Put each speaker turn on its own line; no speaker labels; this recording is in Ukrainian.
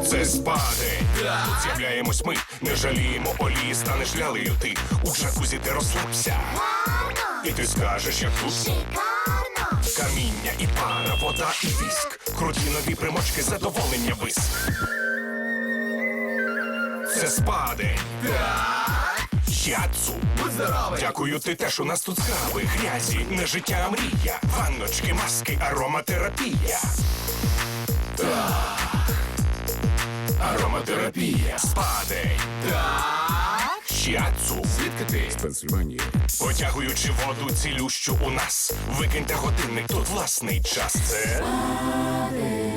Це спадень. Тут з'являємось ми, не жаліємо олії, станеш лялею ти. У джакузі ти розслабся. І ти скажеш, як тут
Шикарно!
каміння і пара, вода і віск. Круті нові примочки, задоволення вис. Це спадень. Яцу.
Будь здоровий!
Дякую, ти теж у нас тут скраби, грязі, не життя, а мрія. Ванночки, маски, ароматерапія. Ароматерапія. Спадень. Яцу.
Звідки ти?
Пенсильванії.
Потягуючи воду цілющу у нас. Викиньте годинник, тут власний час. Це